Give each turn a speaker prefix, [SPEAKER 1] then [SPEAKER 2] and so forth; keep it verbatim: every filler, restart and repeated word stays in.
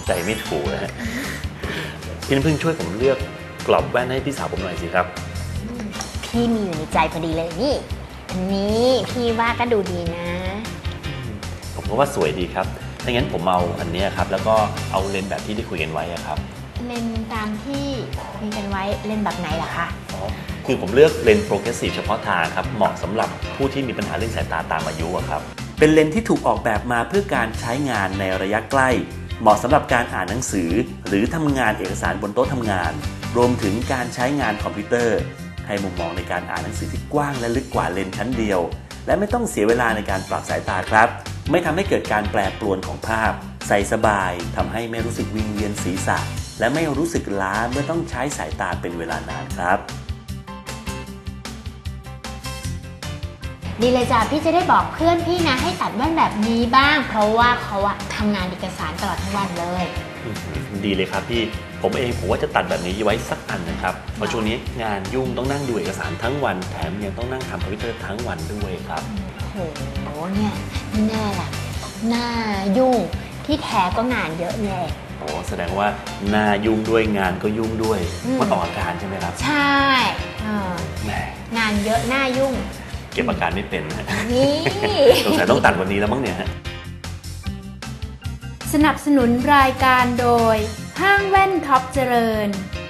[SPEAKER 1] ใจไม่ถูกนะฮะพี่น้ำพึ่งช่วยผมเลือกกรอบแว่นให้พี่สาวผมหน่อยสิครับ
[SPEAKER 2] พี่มีอยู่ในใจพอดีเลยนี่อันนี้พี่ว่าก็ดูดีนะ
[SPEAKER 1] ผมก็ว่าสวยดีครับถ้างั้นผมเอาอันนี้ครับแล้วก็เอาเลนส์แบบที่ได้คุยกันไว้ครับ
[SPEAKER 2] เลนส์ตามที่คุยกันไว้เลนส์แบบไหนล่ะคะ
[SPEAKER 1] อ๋อคือผมเลือกเลนส์โปรเกรสซีฟเฉพาะทางครับเหมาะสำหรับผู้ที่มีปัญหาเรื่องสายตาตามอายุครับเป็นเลนส์ที่ถูกออกแบบมาเพื่อการใช้งานในระยะใกล้เหมาะสำหรับการอ่านหนังสือหรือทำงานเอกสารบนโต๊ะทำงานรวมถึงการใช้งานคอมพิวเตอร์ให้มุมมองในการอ่านหนังสือที่กว้างและลึกกว่าเลนส์ชั้นเดียวและไม่ต้องเสียเวลาในการปรับสายตาครับไม่ทำให้เกิดการแปรปรวนของภาพใส่สบายทำให้ไม่รู้สึกวิงเวียนศีรษะและไม่รู้สึกล้าเมื่อต้องใช้สายตาเป็นเวลานานครับ
[SPEAKER 2] ดีเลยจ้ะพี่จะได้บอกเพื่อนพี่นะให้ตัดแว่นแบบนี้บ้างเพราะว่าเขาอะทำงานเอกสารตลอดทั้งวันเลย
[SPEAKER 1] ดีเลยครับพี่ผมเองผมว่าจะตัดแบบนี้ไว้สักอันนะครับเพราะช่วงนี้งานยุ่งต้องนั่งดูเอกสารทั้งวันแถมยังต้องนั่งทำคอมพิวเตอร์ทั้งวันด้วยครับ
[SPEAKER 2] โอ้โหเนี่ยแน่ล่ะหน้ายุ่งที่แท้ก็งานเยอะแน่
[SPEAKER 1] โอ้แสดงว่าหน้ายุ่งด้วยงานก็ยุ่งด้วยมันออกอาการใช่ไหมครับ
[SPEAKER 2] ใช่งานเยอะหน้ายุ่ง
[SPEAKER 1] เก็บอาการไม่เป็น
[SPEAKER 2] นี่
[SPEAKER 1] สงสัยต้องตัดวันนี้แล้วมั้งเนี่ยฮะ
[SPEAKER 3] สนับสนุนรายการโดยห้างแว่นท็อปเจริญ